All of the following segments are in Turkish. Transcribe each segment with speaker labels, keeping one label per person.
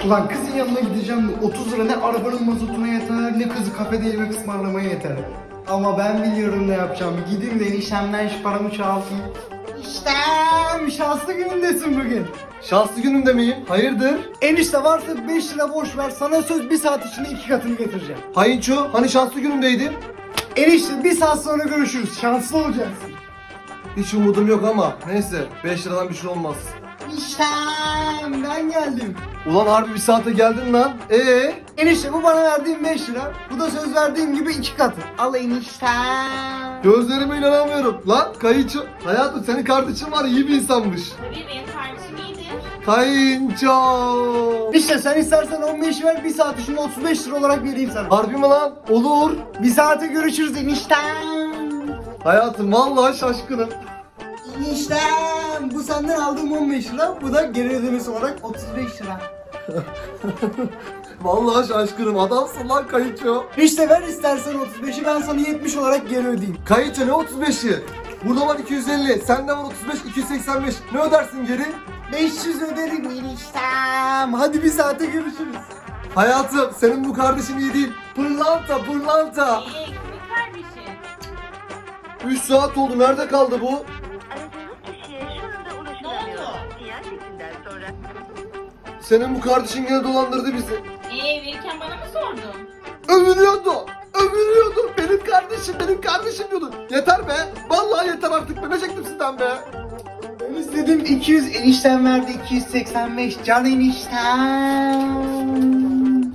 Speaker 1: Ulan kızın yanına gideceğim de 30 lira ne arabanın mazotuna yeter ne kızı kafede yemek ısmarlamaya yeter. Ama ben biliyorum ne yapacağım. Gideyim de eniştemden şu paramı çalayım. İştem şanslı günündesin bugün.
Speaker 2: Şanslı günümde miyim? Hayırdır?
Speaker 1: Enişte varsa 5 lira borç ver, sana söz 1 saat içinde 2 katını getireceğim.
Speaker 2: Hayınço, hani şanslı günümdeydim?
Speaker 1: Enişte 1 saat sonra görüşürüz, şanslı olacaksın.
Speaker 2: Hiç umudum yok ama neyse 5 liradan bir şey olmaz.
Speaker 1: İştem ben geldim.
Speaker 2: Ulan harbi bir saate geldin lan.
Speaker 1: Enişte bu bana verdiğin 5 lira, bu da söz verdiğim gibi 2 katı. Al eniştem.
Speaker 2: Gözlerime inanamıyorum. Lan Kayınço, hayatım senin kardeşin var, iyi bir insanmış.
Speaker 3: Tabii benim kardeşim iyidir.
Speaker 2: Kayınço.
Speaker 1: İşte sen istersen 15 ver, 1 saat içinde 35 lira olarak vereyim sana.
Speaker 2: Harbi mi lan? Olur.
Speaker 1: 1 saate görüşürüz eniştem.
Speaker 2: Hayatım vallahi şaşkınım.
Speaker 1: Eniştem bu senden aldığım 15 lira, bu da geri ödemesi olarak 35 lira.
Speaker 2: Vallahi şaşkınım, adamsın lan Kayınço.
Speaker 1: İşte ver istersen 35'i, ben sana 70 olarak geri ödeyeyim.
Speaker 2: Kayınço ne 35'i? Burada var 250, sende var 35, 285. Ne ödersin geri?
Speaker 1: 500 öderim eniştem. Hadi 1 saate görüşürüz.
Speaker 2: Hayatım senin bu kardeşin iyi değil. Pırlanta pırlanta.
Speaker 3: Kimin kardeşi?
Speaker 2: 3 saat oldu, nerede kaldı bu?
Speaker 4: Aradığınız kişiye şu anda ulaşılamıyor.
Speaker 3: Ne oldu?
Speaker 4: Sinyal sesinden sonra
Speaker 2: Senin bu kardeşin gene dolandırdı bizi.
Speaker 3: Verirken bana mı sordun?
Speaker 2: Övünüyordu. Övünüyordu. Benim kardeşim diyordu. Yeter be. Vallahi yeter artık. Ben çektim sizden be.
Speaker 1: Ben istedim 200, eniştem verdi 285. Can eniştem.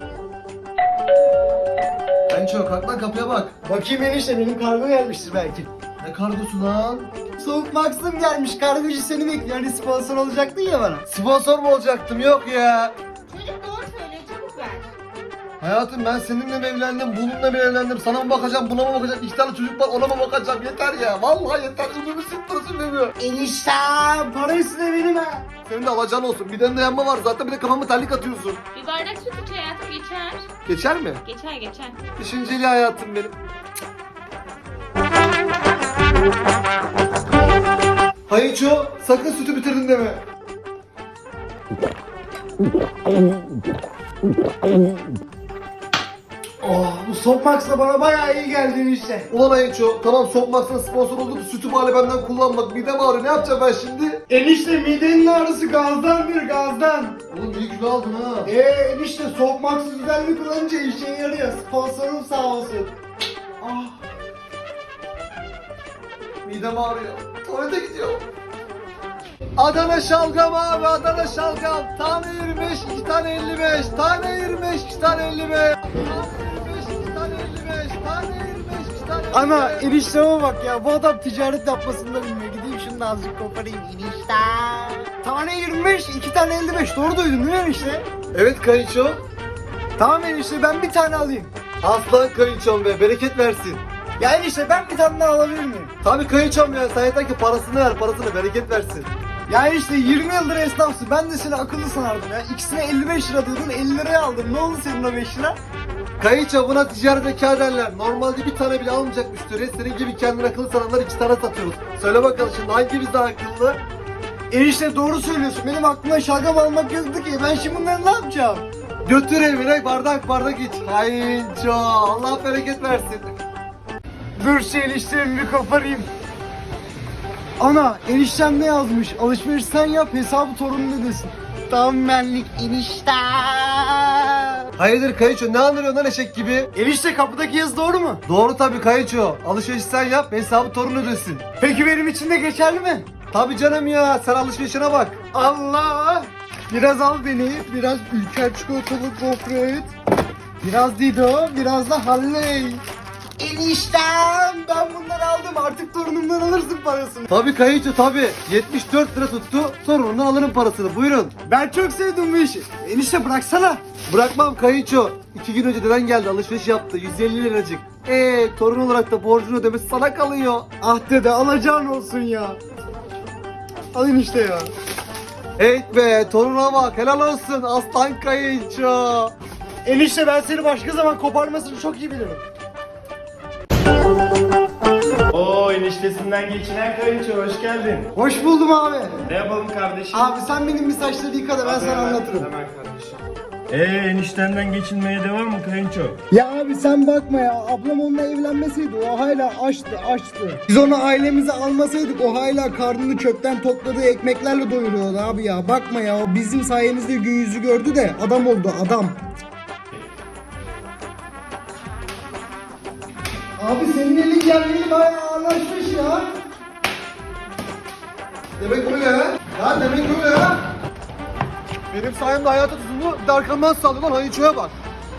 Speaker 2: Kayınço kalk lan, kapıya bak.
Speaker 1: Bakayım enişte, benim kargo gelmiştir belki.
Speaker 2: Ne kargosu lan?
Speaker 1: Soğuk Max'ım gelmiş, kargocu seni bekliyor. Hani sponsor olacaktın ya bana.
Speaker 2: Sponsor mu olacaktım? Yok ya.
Speaker 3: Çocuk doğru söylüyor, çabuk ver.
Speaker 2: Hayatım ben seninle mi evlendim, bununla mı evlendim? Sana mı bakacağım, buna mı bakacağım? 2 tane çocuk var, ona mı bakacağım? Yeter ya. Vallahi yeter. Ömrümü sıktırsın beni.
Speaker 1: Eniştem para üstüne benim ha.
Speaker 2: Senin de alacağın olsun. Bir de yanma var zaten, bir de kafamı terlik atıyorsun.
Speaker 3: Bir bardak süt iç hayatım, geçer.
Speaker 2: Geçer mi?
Speaker 3: Geçer.
Speaker 2: Düşünceli hayatım benim. Hayınço sakın sütü bitirdin deme.
Speaker 1: Oh, bu Soğuk Max da bana bayağı iyi geldi enişte.
Speaker 2: Ulan Hayınço tamam Sokmak'tan sponsor olduk, sütü bari benden kullanmak. Midem ağrıyor, ne yapacağım ben şimdi?
Speaker 1: Enişte midenin ağrısı gazdandır, gazdan.
Speaker 2: Oğlum iyi kilo aldın ha.
Speaker 1: Enişte Soğuk Max'ı düzenli kullanınca işe yarıyor. Sponsorum sağ olsun. Ah.
Speaker 2: Midem ağrıyor. Tuvalete gidiyorum. Adana şalgam abi, Adana şalgam. Tane 25, 2 tane 55. Tane 25, 2 tane 55. Tane 25, 2 tane 55. Tane 25, 2 tane 55.
Speaker 1: Ana enişteme bak ya, bu adam ticaret yapmasını da bilmiyor. Gideyim şunu da azıcık koparayım enişte. Tane 25, 2 tane 55. Doğru duydun değil mi enişte?
Speaker 2: Evet Kayınço.
Speaker 1: Tamam enişte, ben bir tane alayım.
Speaker 2: Aslan Kayınçom be, bereket versin.
Speaker 1: Ya enişte ben bir tane daha alabilir miyim?
Speaker 2: Tabii Kayınçom ya, sen yeter ki parasını ver, parasını, bereket versin.
Speaker 1: Ya enişte 20 yıldır esnafsın. Ben de seni akıllı sanardım ya. İkisine 55 lira diyordun, 50 liraya aldım. Ne oldu senin o 5 lira?
Speaker 2: Kayınço buna ticaret zeka derler. Normalde bir tane bile almayacak müşteri. Senin gibi kendini akıllı sananlar 2 tane satıyoruz. Söyle bakalım şimdi hangimiz daha akıllı?
Speaker 1: Enişte doğru söylüyorsun. Benim aklıma şalgam almak yoktu ki. Ben şimdi bunları ne yapacağım?
Speaker 2: Götür evine bardak iç. Kayınço Allah bereket versin.
Speaker 1: Dur şu eniştemi bir koparayım. Ana eniştem ne yazmış? Alışveriş sen yap, hesabı torunun ödesin. Tam benlik enişte.
Speaker 2: Hayırdır Kayınço, ne anlıyorsun lan eşek gibi?
Speaker 1: Enişte kapıdaki yazı doğru mu?
Speaker 2: Doğru tabii Kayınço. Alışveriş sen yap, hesabı torun ödesin.
Speaker 1: Peki benim için de geçerli mi?
Speaker 2: Tabii canım ya, sen alışverişine bak.
Speaker 1: Allah! Biraz al beni, biraz ülker çikolatalı gofret, biraz Dido, biraz da Halley. Eniştem, ben bunları aldım, artık torunumdan alırsın parasını.
Speaker 2: Tabii Kayınço tabii. 74 lira tuttu, sorununu alırım parasını, buyurun.
Speaker 1: Ben çok sevdim bu işi. Enişte bıraksana.
Speaker 2: Bırakmam Kayınço. 2 gün önce deden geldi, alışveriş yaptı, 150 liracık. Torun olarak da borcunu ödemesi sana kalıyor.
Speaker 1: Ah dede, alacağın olsun ya. Al enişte ya.
Speaker 2: Hey be, toruna bak, helal olsun aslan Kayınço.
Speaker 1: Enişte ben seni başka zaman koparmasını çok iyi bilirim.
Speaker 5: Oo, eniştesinden geçinen kayınço, hoş geldin.
Speaker 1: Hoş buldum abi.
Speaker 5: Ne yapalım kardeşim?
Speaker 1: Abi sen benim bir saçları yıka da ben sana anlatırım.
Speaker 5: Hemen kardeşim. Eniştenden geçinmeye devam mı kayınço?
Speaker 1: Ya abi sen bakma ya. Ablam onunla evlenmeseydi o hala açtı. Biz onu ailemize almasaydık o hala karnını çöpten topladığı ekmeklerle doyuruyordu abi ya. Bakma ya. O bizim sayemizde gün yüzü gördü de adam oldu adam. Abi senin elin geldiği bayağı ağırlaşmış ya.
Speaker 2: Demek öyle ha? Ya demek öyle ha? Benim sayemde hayata tutumlu bir de arkamdan sallıyor lan Hayıço'ya bak.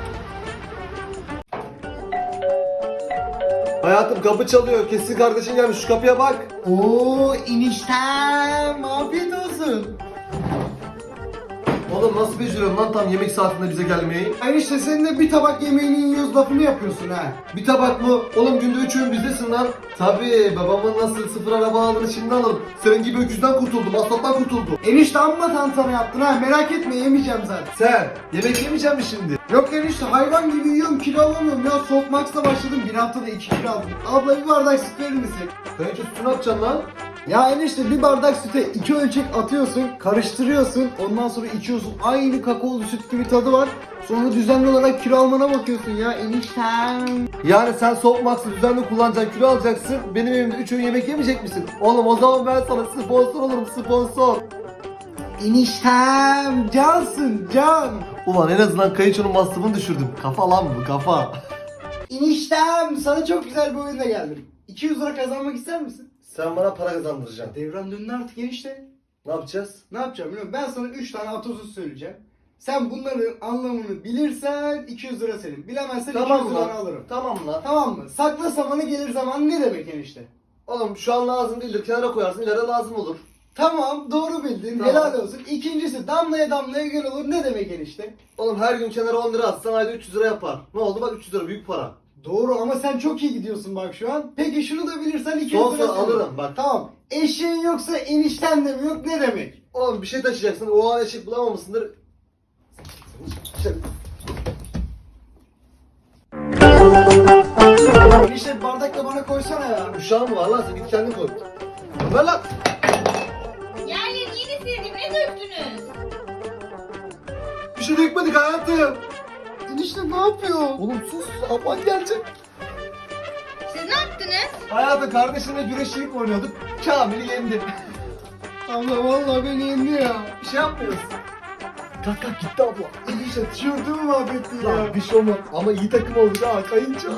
Speaker 2: Hayatım kapı çalıyor. Kesin kardeşin gelmiş. Şu kapıya bak.
Speaker 1: Oo eniştem afiyet olsun.
Speaker 2: Oğlum nasıl beceriyorsun lan tam yemek saatinde bize gelmeyi?
Speaker 1: Enişte senin de bir tabak yemeğini yiyoruz lafını yapıyorsun ha.
Speaker 2: Bir tabak mı? Oğlum günde 3 öğün bizdesin lan. Tabii babamın nasıl sıfır araba aldığını şimdi alırım. Senin gibi öküzden kurtuldum, aslattan kurtuldum.
Speaker 1: Enişte amma tantana yaptın ha merak etme yemeyeceğim zaten.
Speaker 2: Sen yemek yemeyecek misin şimdi?
Speaker 1: Yok enişte hayvan gibi yiyorum kilo alamıyorum ya Softmax'la başladım bir haftada 2 kilo aldım. Abla bir bardak süt verir misin?
Speaker 2: Kayınço sütü ne yapacaksın lan?
Speaker 1: Ya enişte bir bardak süte 2 ölçek atıyorsun karıştırıyorsun ondan sonra içiyorsun aynı kakaolu süt gibi tadı var. Sonra düzenli olarak kilo almana bakıyorsun ya eniştem.
Speaker 2: Yani sen Softmax'ı düzenli kullanacaksın, kilo alacaksın. Benim evimde 3 öğün yemek yemeyecek misin? Oğlum o zaman ben sana sponsor olurum, sponsor.
Speaker 1: Eniştem cansın can.
Speaker 2: Ulan en azından kayınçonun masrafını düşürdüm. Kafa lan bu, kafa.
Speaker 1: Eniştem sana çok güzel bir oyunla geldim. 200 lira kazanmak ister misin?
Speaker 2: Sen bana para kazandıracaksın.
Speaker 1: Devran döndü artık enişte.
Speaker 2: Ne yapacağız?
Speaker 1: Ne yapacağım biliyor musun? Ben sana 3 tane atasöz söyleyeceğim. Sen bunların anlamını bilirsen 200 lira senin. Bilemezsen 200 lira alırım.
Speaker 2: Tamam lan.
Speaker 1: Tamam mı? Sakla samanı gelir zaman ne demek enişte?
Speaker 2: Oğlum şu an lazım değildir. Kenara koyarsın, ileride lazım olur.
Speaker 1: Tamam doğru bildin.
Speaker 2: Tamam.
Speaker 1: Helal olsun. İkincisi damlaya damlaya göl olur ne demek enişte?
Speaker 2: Oğlum her gün kenara 10 lira atsan ayda 300 lira yapar. Ne oldu bak 300 lira büyük para.
Speaker 1: Doğru ama sen çok iyi gidiyorsun bak şu an. Peki şunu da bilirsen 200
Speaker 2: Son
Speaker 1: lira
Speaker 2: sonra
Speaker 1: senin.
Speaker 2: alırım bak.
Speaker 1: Tamam. Eşeğin yoksa enişten de mi yok ne demek?
Speaker 2: Oğlum bir şey taşıyacaksın. O an eşek bulamamışsındır.
Speaker 1: Enişte bir bardak da bana koysana ya.
Speaker 2: Uşağın mı var lan? Sen git kendin koy. Ver lan.
Speaker 3: Yerleri yeni sildim. Ne döktünüz?
Speaker 2: Bir şey dökmedik hayatım.
Speaker 1: Enişte ne yapıyor?
Speaker 2: Oğlum sus. Aman gelecek.
Speaker 3: Siz ne yaptınız?
Speaker 2: Hayatım kardeşimle güreşçilik oynuyorduk. Kamil'i yendi.
Speaker 1: Abla vallahi beni yendi ya.
Speaker 2: Bir şey yapmıyoruz. Kalk kalk gitti abla.
Speaker 1: Enişte tişörtümü mahvettin ya.
Speaker 2: Ya bir şey olmaz. Ama iyi takım olduk ha kayınca.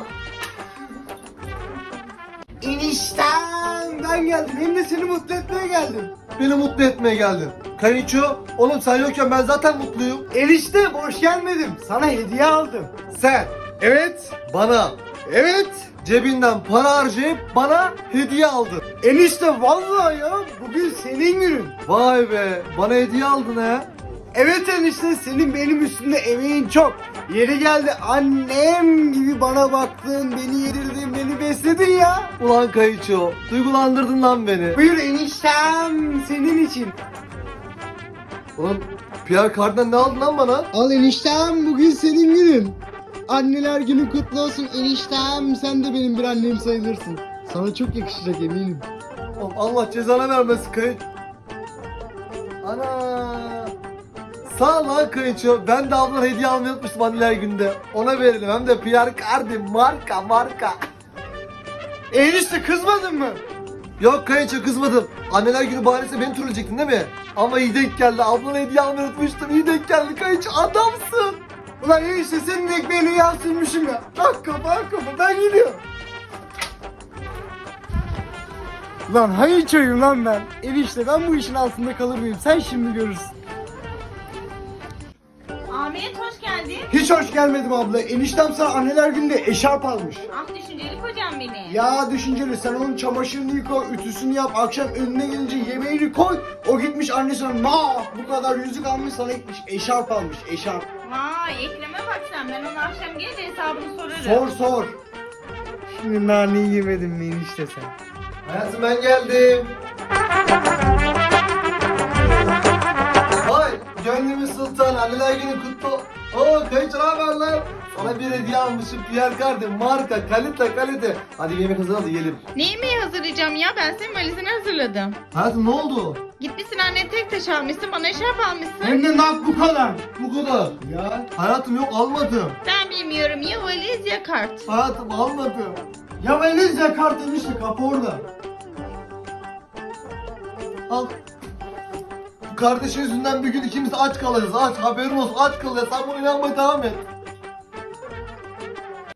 Speaker 1: Enişten ben geldim. Hem de seni mutlu etmeye geldim.
Speaker 2: Beni mutlu etmeye geldin. Kayınço, oğlum sen yokken ben zaten mutluyum.
Speaker 1: Enişte boş gelmedim. Sana hediye aldım.
Speaker 2: Sen
Speaker 1: Evet.
Speaker 2: bana
Speaker 1: Evet.
Speaker 2: cebinden para harcayıp bana hediye aldın.
Speaker 1: Enişte vallahi ya bugün senin günün.
Speaker 2: Vay be, bana hediye aldın ha.
Speaker 1: Evet enişte senin benim üstümde emeğin çok. Yeri geldi annem gibi bana baktın, beni yedirdin, beni besledin ya.
Speaker 2: Ulan kayınço, duygulandırdın lan beni.
Speaker 1: Buyur eniştem senin için.
Speaker 2: Ulan Pierre Cardin'den ne aldın lan bana?
Speaker 1: Al eniştem bugün senin günün. Anneler günü kutlu olsun eniştem. Sen de benim bir annem sayılırsın. Sana çok yakışacak eminim.
Speaker 2: Oğlum Allah cezana vermesin kayın. Ana. Sağ ol lan kayınço. Ben de ablan hediye almayı unutmuştum anneler günde. Ona verelim hem de Pierre Cardin marka.
Speaker 1: Enişte kızmadın mı?
Speaker 2: Yok kayınço kızmadım. Anneler günü bahanesi beni trolleyecektin değil mi? Ama iyi denk geldi. Ablana hediye almayı unutmuştum. İyi denk geldi kayınço. Adamsın.
Speaker 1: Ulan enişte senin ekmeğini yağ sürmüşüm ya. Tak kafa ben gidiyorum. Lan hayır çocuğum lan ben. Enişte ben bu işin altında kalır mıyım? Sen şimdi görürsün.
Speaker 3: Ahmet hoş geldin.
Speaker 1: Hiç hoş gelmedim abla. Eniştem sana anneler gününde eşarp almış.
Speaker 3: Ah düşünceli kocam beni.
Speaker 1: Ya düşünceli sen onun çamaşırını yıka, ütüsünü yap, akşam önüne gelince yemeğini koy. O gitmiş annesine bu kadar yüzük almış sana gitmiş eşarp almış eşarp.
Speaker 3: Vay Ekrem'e bak sen. Ben ona akşam gelince hesabını sorarım.
Speaker 1: Sor. Şimdi naneyi yemedin mi enişte sen?
Speaker 2: Hayatım ben geldim. Vay Gönlümüz sultan, anneler günü kutlu. Oo kayınço ne haber lan? Sana bir hediye almışım Pierre Cardin, marka, kalite. Hadi yemek hazırla da yiyelim.
Speaker 3: Ne yemeği hazırlayacağım ya? Ben senin valizini hazırladım.
Speaker 2: Hayatım ne oldu?
Speaker 3: Gitmişsin anne tek taş almışsın, bana eşarp almışsın.
Speaker 1: Hem de nak bu kadar.
Speaker 2: Bu kadar.
Speaker 1: Ya.
Speaker 2: Hayatım yok almadım.
Speaker 3: Ben bilmiyorum, ya valiz ya kart.
Speaker 2: Hayatım almadım.
Speaker 1: Ya valiz ya kart demişti kapı orada.
Speaker 2: Al. Bu kardeşin yüzünden bir gün ikimiz aç kalacağız. Aç haberin olsun aç kalacağız. Sen buna inanmaya devam et.